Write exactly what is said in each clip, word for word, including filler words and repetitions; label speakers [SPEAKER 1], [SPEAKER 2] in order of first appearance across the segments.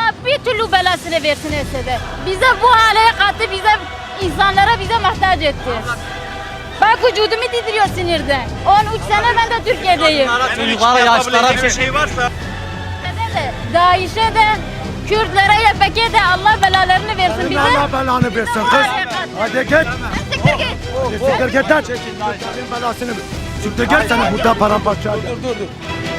[SPEAKER 1] Allah bir türlü belasını versin Esed'e. Bize bu hale kattı, bize insanlara bize muhtaç etti. Bak vücudumu titriyor sinirden. on üç sene ben de Türkiye'deyim.
[SPEAKER 2] Çocuklara, yaşlara bir şey varsa.
[SPEAKER 1] DAEŞ'e de, Kürtlere, Y P G'ye de Allah belalarını versin bize.
[SPEAKER 3] Allah belanı versin kız. Hadi git.
[SPEAKER 1] Siktir git.
[SPEAKER 3] Siktir git lan. Kürtlerin belasını ver. Siktir git sana burada paramparça.
[SPEAKER 2] Dur dur dur.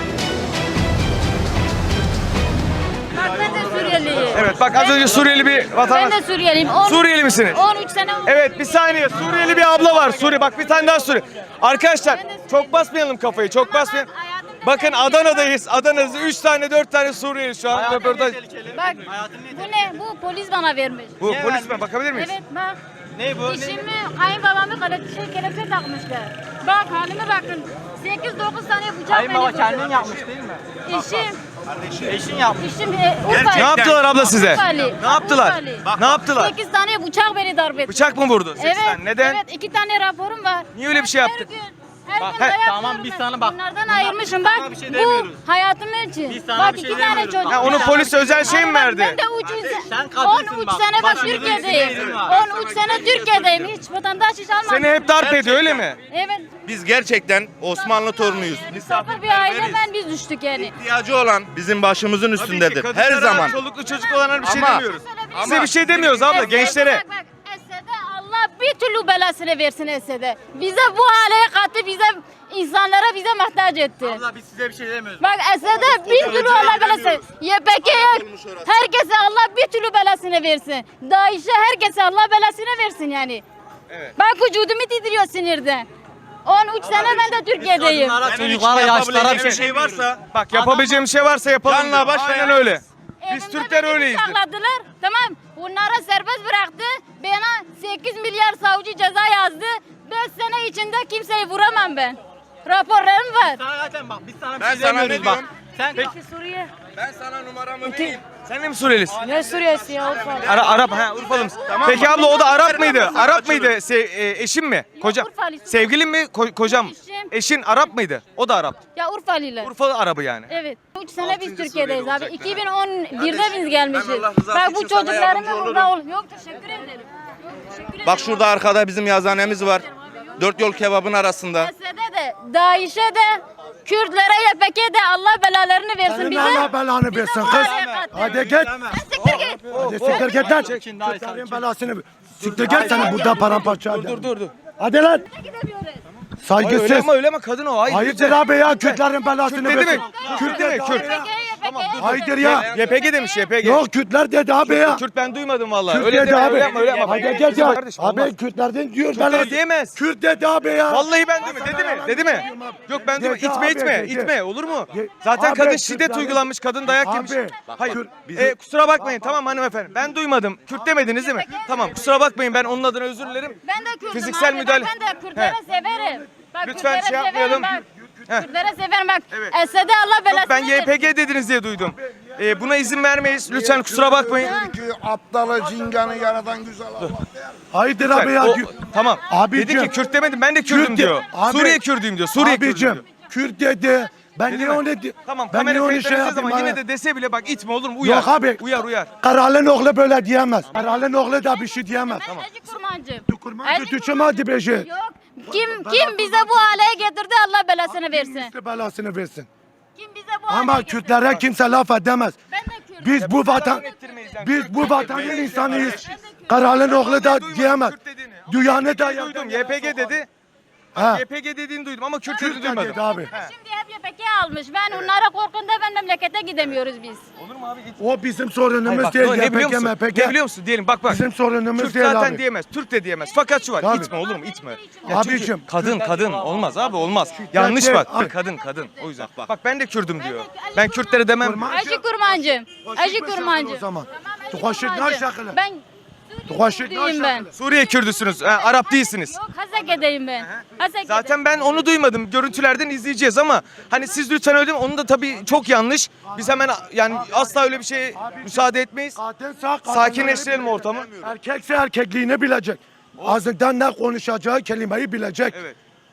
[SPEAKER 1] Bak ben de Suriyeliyim.
[SPEAKER 2] Evet bak az önce Suriyeli bir
[SPEAKER 1] Ben
[SPEAKER 2] vatandaş.
[SPEAKER 1] de Suriyeliyim. On-
[SPEAKER 2] Suriyeli misiniz?
[SPEAKER 1] on üç sene oldu.
[SPEAKER 2] Evet bir saniye Suriyeli bir abla var. Suriye bak bir tane daha Suriye. Arkadaşlar çok basmayalım kafayı çok basmayalım. Bakın Adana'dayız. Adana'da üç tane dört tane Suriyeli şu an röportaj.
[SPEAKER 1] Bak bu ne? Bu polis bana vermiş.
[SPEAKER 2] Bu polis mi? Bakabilir miyiz?
[SPEAKER 1] Evet bak.
[SPEAKER 2] Ne bu?
[SPEAKER 1] İşimi kayınbabamı kelepçe, kelepçe takmışlar. Bak halime bakın. sekiz dokuz tane bıçak
[SPEAKER 4] Kayınbaba
[SPEAKER 1] beni
[SPEAKER 4] kendin
[SPEAKER 1] vurdu.
[SPEAKER 4] yapmış değil mi?
[SPEAKER 1] Eşim.
[SPEAKER 4] Eşin yapmış.
[SPEAKER 1] Eşim e, Urfalı.
[SPEAKER 2] Ne yaptılar abla size?
[SPEAKER 1] Urfalı.
[SPEAKER 2] Ne yaptılar?
[SPEAKER 1] Urfalı.
[SPEAKER 2] Ne yaptılar?
[SPEAKER 1] sekiz tane bıçak beni darp etti.
[SPEAKER 2] Bıçak mı vurdu? Sekiz
[SPEAKER 1] Evet.
[SPEAKER 2] tane. Neden?
[SPEAKER 1] Evet iki tane raporum var.
[SPEAKER 2] Niye öyle bir şey
[SPEAKER 1] Her
[SPEAKER 2] yaptık?
[SPEAKER 1] gün, her
[SPEAKER 2] Bak,
[SPEAKER 1] gün
[SPEAKER 2] he,
[SPEAKER 1] dayak
[SPEAKER 4] tamam,
[SPEAKER 1] yiyorum
[SPEAKER 4] biz
[SPEAKER 1] ben.
[SPEAKER 4] sana bak.
[SPEAKER 1] Bunlardan
[SPEAKER 4] Bunlar-
[SPEAKER 1] ayırmışım bak.
[SPEAKER 4] sana bir şey
[SPEAKER 1] bu
[SPEAKER 4] demiyoruz.
[SPEAKER 1] hayatım için.
[SPEAKER 4] Biz sana
[SPEAKER 1] Bak
[SPEAKER 4] bir
[SPEAKER 1] iki
[SPEAKER 4] şey
[SPEAKER 1] tane
[SPEAKER 4] demiyoruz.
[SPEAKER 1] çocuk.
[SPEAKER 2] Ha, onu
[SPEAKER 1] var.
[SPEAKER 2] polis özel şey mi
[SPEAKER 1] Ama bak,
[SPEAKER 2] verdi?
[SPEAKER 1] Ben de üç,
[SPEAKER 4] Sen kadınsın
[SPEAKER 1] on üç
[SPEAKER 4] bak.
[SPEAKER 1] sene bak
[SPEAKER 4] Başımızın
[SPEAKER 1] Türkiye'deyim.
[SPEAKER 4] üstünde yerin var.
[SPEAKER 1] on üç sene Türkiye'deyim. Hiç vatandaş hiç almadım.
[SPEAKER 2] Seni hep darp ediyor öyle mi?
[SPEAKER 1] Evet.
[SPEAKER 5] Biz gerçekten Osmanlı torunuyuz.
[SPEAKER 1] Misafir bir aileden biz düştük yani.
[SPEAKER 5] İhtiyacı olan bizim başımızın
[SPEAKER 2] Tabii ki,
[SPEAKER 5] üstündedir.
[SPEAKER 2] kadınlara,
[SPEAKER 5] Her zaman.
[SPEAKER 2] Çoluklu çocuk olanlara bir şey
[SPEAKER 5] Ama-
[SPEAKER 2] demiyoruz.
[SPEAKER 1] Ama-
[SPEAKER 2] Size bir şey demiyoruz abla
[SPEAKER 1] Esed'e
[SPEAKER 2] gençlere.
[SPEAKER 1] Bak, bak, Esed'e Allah bir türlü belasını versin Esed'e. Bize bu hale kattı, bize insanlara bize muhtaç etti.
[SPEAKER 4] Abla biz size bir şey demiyoruz.
[SPEAKER 1] Bak Esed'e bir türlü Allah belası. Y P G'ye herkese Allah bir türlü belasını versin. DAEŞ'e herkese Allah belasını versin yani.
[SPEAKER 2] Evet.
[SPEAKER 1] Bak vücudumu titriyor sinirden. on üç sene ben de Türkiye'deyim.
[SPEAKER 4] Kadınlara, çocuklara, yaşlara bir şey.
[SPEAKER 5] şey varsa
[SPEAKER 2] Bak yapabileceğim bir şey varsa yapalım.
[SPEAKER 5] Canla
[SPEAKER 2] diyor.
[SPEAKER 5] başla
[SPEAKER 2] Aynen
[SPEAKER 5] ya.
[SPEAKER 2] öyle. Biz
[SPEAKER 1] Evimde
[SPEAKER 2] Türkler
[SPEAKER 1] beni
[SPEAKER 2] öyleyiz.
[SPEAKER 1] bıçakladılar. Tamam. Bunlara serbest bıraktı. Bana sekiz milyar savcı ceza yazdı. beş sene içinde kimseyi vuramam ben. Raporlarım var.
[SPEAKER 4] Sana zaten bak biz sana bir
[SPEAKER 5] Ben
[SPEAKER 4] şey
[SPEAKER 5] sana ne
[SPEAKER 4] demiyoruz bak.
[SPEAKER 5] diyorum?
[SPEAKER 4] Sen
[SPEAKER 1] Suriye.
[SPEAKER 5] ben sana numaramı vereyim.
[SPEAKER 2] Sen de mi Suriyelisin?
[SPEAKER 1] Ne Suriye'si ya Urfa?
[SPEAKER 2] Ara, Arap, ha Urfalı mısın? Peki abla o da Arap mıydı? Arap mıydı? Se- e, eşin mi? Kocam.
[SPEAKER 1] Urfalı.
[SPEAKER 2] Sevgilin mi? Ko- kocam mı?
[SPEAKER 1] Eşim.
[SPEAKER 2] Eşin Arap mıydı? O da Arap.
[SPEAKER 1] Ya Urfalılar.
[SPEAKER 2] Urfalı Arabı yani.
[SPEAKER 1] Evet. üç sene biz Türkiye'deyiz
[SPEAKER 5] Suriyeli
[SPEAKER 1] abi.
[SPEAKER 5] olacak
[SPEAKER 1] iki bin on birde biz gelmişiz.
[SPEAKER 5] ben Allah rızası
[SPEAKER 1] Bak bu
[SPEAKER 5] için sana
[SPEAKER 1] çocuklarımı
[SPEAKER 5] yardımcı
[SPEAKER 1] burada ol. Yok teşekkür ederim. Yok, teşekkür ederim.
[SPEAKER 5] Bak şurada arkada bizim yazanemiz var. Dört yol kebabın arasında.
[SPEAKER 1] Esed'e de, DAEŞ'e de, Kürtlere, Y P G'ye de Allah belalarını versin
[SPEAKER 3] Senin
[SPEAKER 1] bize.
[SPEAKER 3] Allah belanı versin
[SPEAKER 1] bu
[SPEAKER 3] kız.
[SPEAKER 1] hale kattı.
[SPEAKER 3] Hadi git.
[SPEAKER 1] Siktir git.
[SPEAKER 3] Hadi siktir git lan.
[SPEAKER 4] Çekin, daha
[SPEAKER 3] Kürtlerin belasını ver. Siktir git sana burada paramparça.
[SPEAKER 2] Dur dur dur.
[SPEAKER 3] Hadi lan.
[SPEAKER 1] Gidemiyoruz.
[SPEAKER 2] Hayır, öyle
[SPEAKER 3] Saygısız.
[SPEAKER 2] ama öyle ama kadın o. Hayır.
[SPEAKER 3] Hayırdır abi ya Kürtlerin belasını
[SPEAKER 2] Kürt dedi
[SPEAKER 3] versin.
[SPEAKER 2] mi?
[SPEAKER 3] Kürt
[SPEAKER 2] Kürt dedi mi?
[SPEAKER 3] dedi
[SPEAKER 2] Kürt.
[SPEAKER 3] abi ya.
[SPEAKER 1] Y P G'ye,
[SPEAKER 3] Hayırdır ya.
[SPEAKER 2] Y P G demiş Y P G.
[SPEAKER 3] Yok Kürtler dedi abi ya.
[SPEAKER 2] Kürt ben duymadım vallahi.
[SPEAKER 3] Kürt
[SPEAKER 2] Öyle
[SPEAKER 3] dedi
[SPEAKER 2] deme,
[SPEAKER 3] abi.
[SPEAKER 2] öyle yapma, öyle yapma.
[SPEAKER 3] Hadi gel ya.
[SPEAKER 2] Kardeşim, olmaz.
[SPEAKER 3] Abi Kürtlerden diyor.
[SPEAKER 2] Kürtler
[SPEAKER 3] belası-
[SPEAKER 2] diyemez.
[SPEAKER 3] Kürt dedi abi ya.
[SPEAKER 2] Vallahi ben dedim. Dedi mi? Dedi mi? Yok ben dedim.
[SPEAKER 3] Dedi
[SPEAKER 2] İtme
[SPEAKER 3] abi,
[SPEAKER 2] itme.
[SPEAKER 3] dedi.
[SPEAKER 2] İtme olur mu?
[SPEAKER 3] Ye-
[SPEAKER 2] Zaten
[SPEAKER 3] Abi,
[SPEAKER 2] kadın şiddet
[SPEAKER 3] Kürtlerin-
[SPEAKER 2] uygulanmış. Kadın dayak
[SPEAKER 3] Abi,
[SPEAKER 2] yemiş.
[SPEAKER 3] bak,
[SPEAKER 2] Hayır.
[SPEAKER 3] Kürt-
[SPEAKER 2] E, kusura bakmayın tamam hanımefendi. Ben duymadım. Kürt demediniz değil mi? Tamam kusura bakmayın ben onun adına özür dilerim.
[SPEAKER 1] Ben de Kürt'üm
[SPEAKER 2] Fiziksel
[SPEAKER 1] abi.
[SPEAKER 2] müdahale.
[SPEAKER 1] Bak, ben de Kürtlere
[SPEAKER 2] He.
[SPEAKER 1] severim. Bak,
[SPEAKER 2] Lütfen
[SPEAKER 1] Kürtlere
[SPEAKER 2] şey yapmayalım.
[SPEAKER 1] severim,
[SPEAKER 2] Heh.
[SPEAKER 1] bak. Kürtlere severim bak.
[SPEAKER 2] Evet.
[SPEAKER 1] Esed'e Allah belasını
[SPEAKER 2] Yok ben Y P
[SPEAKER 1] versin.
[SPEAKER 2] G dediniz diye duydum. E, buna izin vermeyiz. Lütfen kusura bakmayın.
[SPEAKER 6] Ki aptalı cinganı yaradan güzel Allah.
[SPEAKER 3] Hayırdır abi ya.
[SPEAKER 2] O-
[SPEAKER 3] Kü-
[SPEAKER 2] tamam.
[SPEAKER 3] Abicim.
[SPEAKER 2] Dedi ki Kürt demedim ben de Kürdüm
[SPEAKER 3] Kürt
[SPEAKER 2] diyor.
[SPEAKER 3] de- Abi-
[SPEAKER 2] Suriye Kürdüyüm diyor. Suriye Kürdüm
[SPEAKER 3] Abicim
[SPEAKER 2] diyor.
[SPEAKER 3] Kürt dedi. Ben
[SPEAKER 2] Dedi
[SPEAKER 3] niye
[SPEAKER 2] mi?
[SPEAKER 3] onu di-
[SPEAKER 2] Tamam
[SPEAKER 3] ben niye
[SPEAKER 2] kamera
[SPEAKER 3] onu
[SPEAKER 2] kayıtları
[SPEAKER 3] şey
[SPEAKER 2] izlediği
[SPEAKER 3] yapayım
[SPEAKER 2] zaman yine
[SPEAKER 3] abi?
[SPEAKER 2] de dese bile bak itme olur mu? Uyar.
[SPEAKER 3] Yok abi.
[SPEAKER 2] Uyar uyar.
[SPEAKER 3] Karalın oğlu böyle diyemez. Karalın oğlu da bir şey diyemez.
[SPEAKER 1] Ben Eci Kurmancım.
[SPEAKER 3] Kurmancı
[SPEAKER 1] Eci
[SPEAKER 3] tüçüm hadi beşi.
[SPEAKER 1] Yok. Kim kim bize bu hale getirdi Allah belasını versin.
[SPEAKER 3] Misli belasını versin.
[SPEAKER 1] Kim bize bu hale
[SPEAKER 3] Ama
[SPEAKER 1] getirdi?
[SPEAKER 3] Kürtlere kimse laf edemez.
[SPEAKER 1] Ben de Kürt'üm.
[SPEAKER 3] Biz bu vatan biz bu vatanın insanıyız. Karalın oğlu da diyemez. Duyanı da
[SPEAKER 2] Duydum Y P G dedi.
[SPEAKER 3] Ha.
[SPEAKER 2] Y P G dediğini duydum ama Kürt
[SPEAKER 3] Kürt
[SPEAKER 2] dediğini
[SPEAKER 3] de
[SPEAKER 2] duymadım.
[SPEAKER 3] dedi abi.
[SPEAKER 1] Şimdi hep Y P G almış. Ben onlara korkunda ben memlekete gidemiyoruz biz.
[SPEAKER 2] Olur mu abi? Git.
[SPEAKER 3] O bizim
[SPEAKER 2] Hayır,
[SPEAKER 3] sorunumuz
[SPEAKER 2] bak,
[SPEAKER 3] değil.
[SPEAKER 2] ne biliyor
[SPEAKER 3] Y P G,
[SPEAKER 2] musun?
[SPEAKER 3] M P G.
[SPEAKER 2] Ne biliyor musun? Diyelim bak bak.
[SPEAKER 3] Bizim sorunumuz
[SPEAKER 2] Kürt
[SPEAKER 3] değil
[SPEAKER 2] zaten
[SPEAKER 3] abi.
[SPEAKER 2] diyemez. Türk de diyemez. Fakat şu var.
[SPEAKER 3] Tabii.
[SPEAKER 2] İtme olur mu? İtme. Ya çünkü
[SPEAKER 3] Abicim.
[SPEAKER 2] kadın kadın olmaz abi olmaz. Yanlış bak.
[SPEAKER 3] Abi.
[SPEAKER 2] Kadın kadın. O yüzden. Bak ben de Kürdüm diyor. Ben Kürtlere demem.
[SPEAKER 1] Eci Kurmancım. Eci Kurmancım.
[SPEAKER 3] O zaman.
[SPEAKER 1] Tamam, Eci
[SPEAKER 3] Tuhaşit ne
[SPEAKER 1] Kurmancı.
[SPEAKER 3] şakılı?
[SPEAKER 1] Ben
[SPEAKER 3] Tuhaşit ne
[SPEAKER 1] Kürt'üyüm ben.
[SPEAKER 3] şakılı?
[SPEAKER 2] Suriye Kürdüsünüz. Ha, Arap değilsiniz.
[SPEAKER 1] Yok Haseke'deyim ben. Haseke'de.
[SPEAKER 2] Zaten ben onu duymadım. Görüntülerden izleyeceğiz ama hani siz lütfen öyle demeyin. Onun da tabii çok yanlış. Biz hemen yani asla öyle bir şeye müsaade etmeyiz.
[SPEAKER 3] Kadınsa kadınları
[SPEAKER 2] Sakinleştirelim
[SPEAKER 3] bilecek.
[SPEAKER 2] ortamı.
[SPEAKER 3] Erkekse erkekliğini bilecek. Ağzından ne konuşacağı kelimeyi bilecek.
[SPEAKER 2] Evet.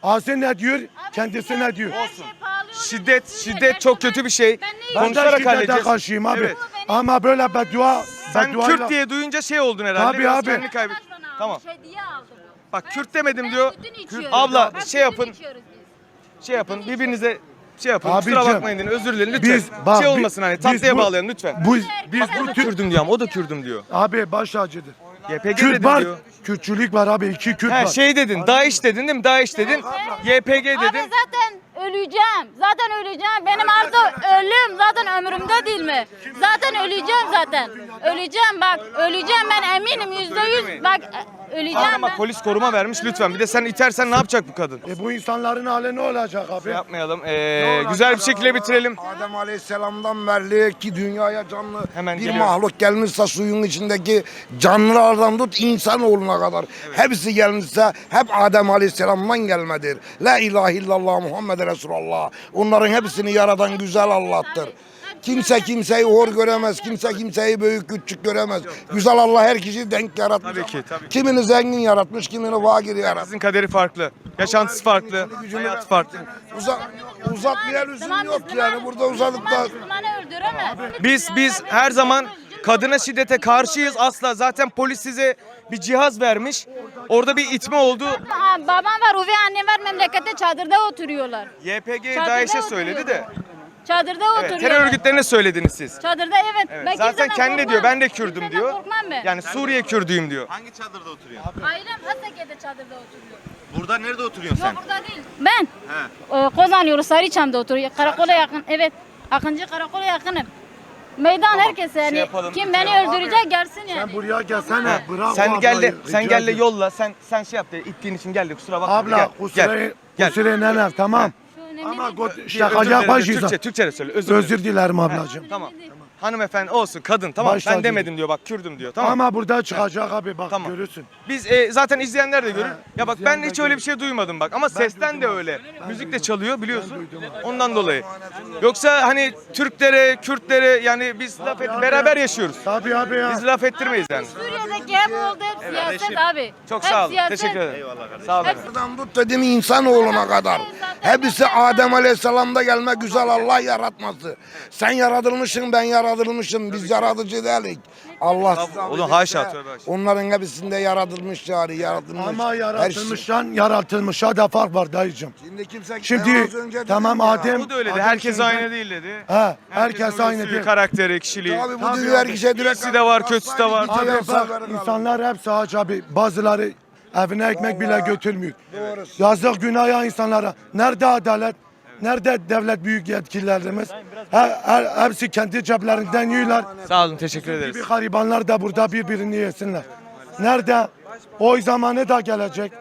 [SPEAKER 3] Ağzı ne diyor, kendisi ne diyor.
[SPEAKER 2] Olsun. Şiddet, şiddet çok kötü bir şey.
[SPEAKER 3] Ben de
[SPEAKER 2] Konuşarak
[SPEAKER 3] şiddete
[SPEAKER 2] halledeceğiz.
[SPEAKER 3] karşıyım abi.
[SPEAKER 2] Evet.
[SPEAKER 3] Ama böyle beddua,
[SPEAKER 2] Sen
[SPEAKER 3] bedduayla-
[SPEAKER 2] Kürt diye duyunca şey oldun herhalde.
[SPEAKER 3] Tabii
[SPEAKER 2] biraz
[SPEAKER 3] abi.
[SPEAKER 2] kendini kaybet. Tamam.
[SPEAKER 1] Hediye aldım.
[SPEAKER 2] Bak Kürt demedim diyor.
[SPEAKER 1] Sütünü içiyoruz.
[SPEAKER 2] Abla
[SPEAKER 1] Bak,
[SPEAKER 2] şey yapın.
[SPEAKER 1] sütünü içiyoruz biz.
[SPEAKER 2] Şey yapın. Birbirinize şey yapın.
[SPEAKER 3] Abicim,
[SPEAKER 2] Kusura bakmayın deyin. Özür dilerim lütfen.
[SPEAKER 3] Biz, bak,
[SPEAKER 2] şey
[SPEAKER 3] bi-
[SPEAKER 2] olmasın hani
[SPEAKER 3] biz
[SPEAKER 2] tatlıya
[SPEAKER 3] bu-
[SPEAKER 2] bağlayalım lütfen.
[SPEAKER 3] Bu, biz
[SPEAKER 2] Bak o
[SPEAKER 3] bu
[SPEAKER 2] da
[SPEAKER 3] Türk,
[SPEAKER 2] Kürdüm diyor ama o da Kürdüm diyor.
[SPEAKER 3] abi baş acıdır.
[SPEAKER 2] Y P G
[SPEAKER 3] Kürt
[SPEAKER 2] dedim
[SPEAKER 3] var,
[SPEAKER 2] diyor.
[SPEAKER 3] Kürtçülük var abi, iki Kürt
[SPEAKER 2] He
[SPEAKER 3] var.
[SPEAKER 2] şey dedin. DAEŞ dedin değil mi? DAEŞ dedin. Y P G
[SPEAKER 1] Abi
[SPEAKER 2] dedin.
[SPEAKER 1] zaten öleceğim. Zaten öleceğim. Benim artık ölüm zaten ömrümde değil mi? Zaten öleceğim zaten. Öleceğim bak. Öleceğim ben eminim yüzde yüz. Bak öleceğim
[SPEAKER 2] Ama
[SPEAKER 1] ben.
[SPEAKER 2] polis koruma vermiş lütfen. Bir de sen itersen ne yapacak bu kadın?
[SPEAKER 3] E bu insanların hali ne olacak abi?
[SPEAKER 2] Yapmayalım. Ee, güzel bir şekilde bitirelim.
[SPEAKER 6] Adem Aleyhisselam'dan beri ki dünyaya canlı
[SPEAKER 2] Hemen
[SPEAKER 6] bir
[SPEAKER 2] geliyorum.
[SPEAKER 6] mahluk gelmişse suyun içindeki canlılardan tut insanoğluna kadar. Hepsi gelmişse hep Adem Aleyhisselam'dan gelmedir. La ilahe illallah Muhammed Resulullah. Onların hepsini yaradan güzel Allah'tır. Kimse kimseyi hor göremez, kimse kimseyi büyük küçük göremez. Güzel Allah herkesi denk yaratmış.
[SPEAKER 2] Tabii ki,
[SPEAKER 6] ama
[SPEAKER 2] tabii ki.
[SPEAKER 6] Kimini zengin yaratmış, kimini fakir yaratmış.
[SPEAKER 2] Sizin kaderi farklı. Yaşantısı farklı. Hayatı farklı.
[SPEAKER 6] Uzat, uzatmaya lüzum
[SPEAKER 1] Müslüman,
[SPEAKER 6] yok
[SPEAKER 1] Müslüman,
[SPEAKER 6] yani burada uzadık da.
[SPEAKER 1] Müslümanı öldüremez.
[SPEAKER 2] Biz biz her zaman kadına şiddete karşıyız asla. Zaten polis size bir cihaz vermiş. Orada bir itme oldu.
[SPEAKER 1] Aa, babam var, üvey annem var, memlekette çadırda oturuyorlar.
[SPEAKER 2] Y P G
[SPEAKER 1] Çadırda
[SPEAKER 2] DAEŞ'e söyledi de.
[SPEAKER 1] Çadırda
[SPEAKER 2] Evet,
[SPEAKER 1] oturuyorlar.
[SPEAKER 2] terör örgütlerine söylediniz siz.
[SPEAKER 1] Çadırda evet.
[SPEAKER 2] Evet,
[SPEAKER 1] Ben
[SPEAKER 2] zaten
[SPEAKER 1] kimseden
[SPEAKER 2] kendi
[SPEAKER 1] korkmam.
[SPEAKER 2] diyor ben de Kürdüm
[SPEAKER 1] Kimseden
[SPEAKER 2] diyor.
[SPEAKER 1] korkmam ben.
[SPEAKER 2] Yani Suriye Kürdüyüm diyor.
[SPEAKER 5] Hangi çadırda oturuyor?
[SPEAKER 1] Ailem Hasake'de çadırda oturuyor.
[SPEAKER 5] Burada nerede oturuyorsun sen?
[SPEAKER 1] Yok burada değil. Ben e, Kozan yolu Sarıçam'da oturuyor. Karakola yakın. Evet. Akıncı karakola yakınım. Meydan herkese yani
[SPEAKER 2] yapalım,
[SPEAKER 1] kim beni öldürecek gelsin yani.
[SPEAKER 3] Sen buraya gelsene, bırak
[SPEAKER 2] Sen
[SPEAKER 3] o
[SPEAKER 2] gel de
[SPEAKER 3] ablayı,
[SPEAKER 2] sen
[SPEAKER 3] rica
[SPEAKER 2] gel de
[SPEAKER 3] ediyorum.
[SPEAKER 2] yolla. Sen sen şey yap de ittiğin için gel de kusura bakma.
[SPEAKER 3] Abla,
[SPEAKER 2] gel.
[SPEAKER 3] kusura,
[SPEAKER 2] Gel.
[SPEAKER 3] kusura nenem, tamam.
[SPEAKER 1] Şu önemli
[SPEAKER 3] Ama
[SPEAKER 1] değil.
[SPEAKER 3] got-
[SPEAKER 2] Özür
[SPEAKER 3] şakacak
[SPEAKER 2] dilerim,
[SPEAKER 3] başıysa.
[SPEAKER 2] Türkçe, Türkçe de söyle. Özür, dilerim.
[SPEAKER 3] Özür dilerim ablacığım.
[SPEAKER 2] Tamam. Hanımefendi olsun kadın tamam.
[SPEAKER 3] Baş
[SPEAKER 2] ben
[SPEAKER 3] tacı.
[SPEAKER 2] demedim diyor bak Kürdüm diyor tamam.
[SPEAKER 3] Ama burada çıkacak abi bak
[SPEAKER 2] Tamam.
[SPEAKER 3] görürsün.
[SPEAKER 2] Biz e, zaten izleyenler de görür. Ya bak ben
[SPEAKER 3] izleyenler
[SPEAKER 2] hiç öyle
[SPEAKER 3] görür.
[SPEAKER 2] bir şey duymadım bak ama sesten de öyle. Müzik de çalıyor biliyorsun. Ondan dolayı. Yoksa hani Türklere, Kürtlere yani biz laf et, beraber yaşıyoruz.
[SPEAKER 3] Tabii abi ya.
[SPEAKER 2] Biz laf ettirmeyiz yani.
[SPEAKER 1] Suriye'deki hep oldu hep siyaset abi.
[SPEAKER 2] Çok
[SPEAKER 1] Hep
[SPEAKER 2] sağ olun.
[SPEAKER 1] siyaset.
[SPEAKER 2] Teşekkür ederim. Sağ olun. efendim.
[SPEAKER 6] Buradan tut dedim insanoğluna kadar. Hepsi Adem Aleyhisselam'da gelme güzel Allah yaratması. Sen yaratılmışsın ben yaratılmışım. Biz yaratıcı değiliz. Allah size
[SPEAKER 2] Oğlum,
[SPEAKER 6] affetsin.
[SPEAKER 2] haşa, tövbe haşa.
[SPEAKER 6] Onların hepsinde yaratılmış yani yaratılmış.
[SPEAKER 3] Ama
[SPEAKER 6] Her şey.
[SPEAKER 3] yaratılmıştan yaratılmışa da fark var dayıcım.
[SPEAKER 6] Şimdi kimse
[SPEAKER 3] Şimdi
[SPEAKER 6] az önce
[SPEAKER 3] tamam
[SPEAKER 6] dedim ya.
[SPEAKER 3] Adem.
[SPEAKER 2] Bu da öyle de
[SPEAKER 3] Adem
[SPEAKER 2] herkes
[SPEAKER 3] şimdi-
[SPEAKER 2] aynı değil dedi.
[SPEAKER 3] Ha, herkes
[SPEAKER 2] Herkesin
[SPEAKER 3] aynı
[SPEAKER 2] özü,
[SPEAKER 3] değil.
[SPEAKER 2] Karakteri, kişiliği.
[SPEAKER 6] Abi bu
[SPEAKER 3] Tabii
[SPEAKER 6] dünya
[SPEAKER 3] abi.
[SPEAKER 6] herkese direkt.
[SPEAKER 2] İyisi de var, kötüsü de var.
[SPEAKER 3] Abi
[SPEAKER 6] Abi
[SPEAKER 3] bak insanlar hepsi aç abi. Bazıları evine ekmek bile götürmüyor. Yazık günah ya insanlara. Nerede adalet? Nerede devlet büyük yetkililerimiz? Her, her, hepsi kendi ceplerinden yiyorlar.
[SPEAKER 2] Sağ olun teşekkür ederiz.
[SPEAKER 3] Bir garibanlar da burada birbirini yesinler. Nerede? Oy zamanı da gelecek.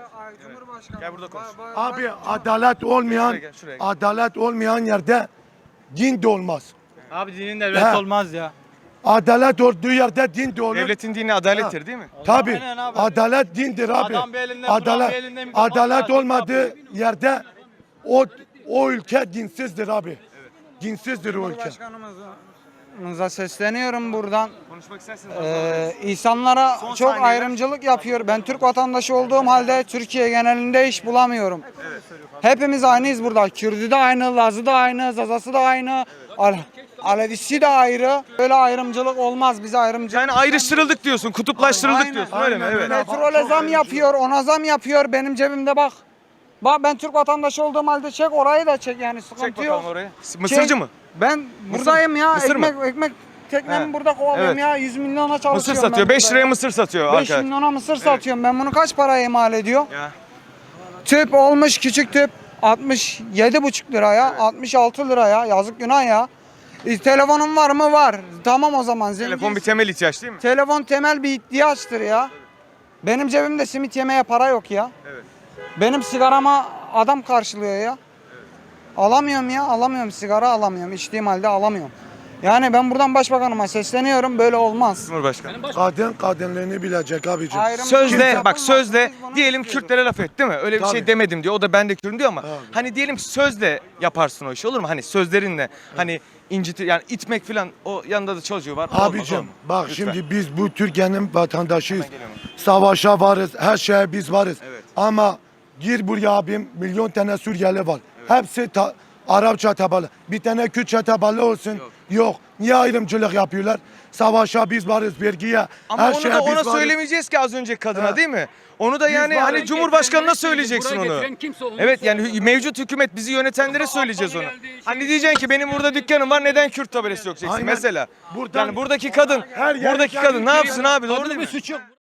[SPEAKER 2] Gel burada konuş.
[SPEAKER 3] Abi adalet olmayan,
[SPEAKER 2] Şuraya gel, şuraya gel.
[SPEAKER 3] adalet olmayan yerde din de olmaz.
[SPEAKER 4] Abi dinin devlet
[SPEAKER 3] Ha.
[SPEAKER 4] olmaz ya.
[SPEAKER 3] Adalet olduğu yerde din de olur.
[SPEAKER 2] Devletin dini adalettir değil mi?
[SPEAKER 3] Tabii.
[SPEAKER 4] Aynen abi.
[SPEAKER 3] Adalet dindir abi.
[SPEAKER 4] Adam bir elinde, Kur'an
[SPEAKER 3] adalet
[SPEAKER 4] bir elinde, mikrofon
[SPEAKER 3] adalet
[SPEAKER 4] var.
[SPEAKER 3] olmadığı yerde o o ülke dinsizdir abi. Dinsizdir o ülke.
[SPEAKER 7] Başkanımıza sesleniyorum buradan.
[SPEAKER 2] Konuşmak isterseniz.
[SPEAKER 7] Ee, insanlara
[SPEAKER 2] Son
[SPEAKER 7] çok
[SPEAKER 2] saniyeler.
[SPEAKER 7] ayrımcılık yapıyor. Ben Türk vatandaşı olduğum halde Türkiye genelinde iş bulamıyorum. Hepimiz aynıyız burada. Kürdü de aynı, Lazı da aynı, Zazası da aynı, Al Alevisi de ayrı. Böyle ayrımcılık olmaz. Bize ayrımcılık.
[SPEAKER 2] Yani ayrıştırıldık diyorsun, kutuplaştırıldık
[SPEAKER 7] Aynen.
[SPEAKER 2] diyorsun öyle mi?
[SPEAKER 3] Aynen
[SPEAKER 2] Evet.
[SPEAKER 3] öyle.
[SPEAKER 7] Petrole zam yapıyor, ona zam yapıyor. Benim cebimde bak. Bak ben Türk vatandaşı olduğum halde çek orayı da çek yani sıkıntı
[SPEAKER 2] Çek
[SPEAKER 7] yok.
[SPEAKER 2] bakalım oraya. Mısırcı
[SPEAKER 7] Çek.
[SPEAKER 2] mı?
[SPEAKER 7] Ben buradayım ya.
[SPEAKER 2] Mısır mı?
[SPEAKER 7] ekmek ekmek teknemi
[SPEAKER 2] He.
[SPEAKER 7] burada kovalıyorum
[SPEAKER 2] Evet.
[SPEAKER 7] ya. yüz milyona
[SPEAKER 2] Mısır
[SPEAKER 7] çalışıyorum.
[SPEAKER 2] satıyor.
[SPEAKER 7] ben
[SPEAKER 2] beş
[SPEAKER 7] burada
[SPEAKER 2] liraya
[SPEAKER 7] ya.
[SPEAKER 2] mısır satıyor
[SPEAKER 7] beş
[SPEAKER 2] arkadaş.
[SPEAKER 7] milyona mısır satıyorum. Ben bunu kaç paraya mal ediyor?
[SPEAKER 2] Ya.
[SPEAKER 7] Tüp olmuş küçük tüp altmış yedi buçuk liraya, altmış altı liraya. Yazık günah ya. E, telefonun var mı? Var. Tamam o zaman zengin.
[SPEAKER 2] Telefon bir temel ihtiyaç değil mi?
[SPEAKER 7] Telefon temel bir ihtiyaçtır ya. Benim cebimde simit yemeye para yok ya.
[SPEAKER 2] Evet.
[SPEAKER 7] Benim sigarama adam karşılıyor ya. Alamıyorum ya, alamıyorum sigara alamıyorum. İçtiğim halde alamıyorum. Yani ben buradan başbakanıma sesleniyorum. Böyle olmaz.
[SPEAKER 2] Cumhurbaşkanı.
[SPEAKER 3] Kadın kadınlığını bilecek abicim.
[SPEAKER 7] Ayrımcılık
[SPEAKER 2] Sözle
[SPEAKER 7] yapılmaz.
[SPEAKER 2] bak sözle
[SPEAKER 7] Biz bunu
[SPEAKER 2] diyelim
[SPEAKER 7] istiyoruz.
[SPEAKER 2] Kürtlere laf et değil mi? Öyle bir şey
[SPEAKER 3] Tabii.
[SPEAKER 2] demedim diyor. O da ben de Kürt'üm diyor ama
[SPEAKER 3] Tabii.
[SPEAKER 2] hani diyelim ki sözle yaparsın o işi olur mu? Hani sözlerinle hani incitir yani itmek falan o yanında da çocuğu var. Olmaz,
[SPEAKER 3] Abicim
[SPEAKER 2] olmaz.
[SPEAKER 3] bak
[SPEAKER 2] Lütfen.
[SPEAKER 3] şimdi biz bu Türkiye'nin vatandaşıyız.
[SPEAKER 2] Hemen geliyorum.
[SPEAKER 3] Savaşa varız, her şeye biz varız.
[SPEAKER 2] Evet.
[SPEAKER 3] Ama Gir buraya abim, milyon tane Suriyeli var. Hepsi ta- Arapça tabalı. Bir tane Kürtçe tabalı olsun. Yok. Niye ayrımcılık yapıyorlar? Savaşa biz varız, vergiye,
[SPEAKER 2] Ama
[SPEAKER 3] her
[SPEAKER 2] onu
[SPEAKER 3] şeye
[SPEAKER 2] da
[SPEAKER 3] biz
[SPEAKER 2] ona
[SPEAKER 3] varız.
[SPEAKER 2] söylemeyeceğiz ki az önceki kadına
[SPEAKER 3] Ha.
[SPEAKER 2] değil mi? Onu da yani
[SPEAKER 3] varız.
[SPEAKER 2] hani Cumhurbaşkanına söyleyeceksin
[SPEAKER 8] Buraya
[SPEAKER 2] onu.
[SPEAKER 8] getiren kimse olduğunu
[SPEAKER 2] Evet yani
[SPEAKER 8] söylüyor.
[SPEAKER 2] hü- mevcut hükümet bizi yönetenlere söyleyeceğiz onu.
[SPEAKER 8] geldi, şey-
[SPEAKER 2] Hani diyeceksin ki benim burada dükkanım var neden Kürt tabelası yok diyeceksin
[SPEAKER 3] Aynen.
[SPEAKER 2] mesela.
[SPEAKER 3] Buradan-
[SPEAKER 2] Yani buradaki kadın,
[SPEAKER 3] Her yere
[SPEAKER 2] buradaki
[SPEAKER 3] geldi,
[SPEAKER 2] kadın ne yapsın abi doğru
[SPEAKER 8] Kadının
[SPEAKER 2] değil
[SPEAKER 8] bir
[SPEAKER 2] mi?
[SPEAKER 8] suçu yok.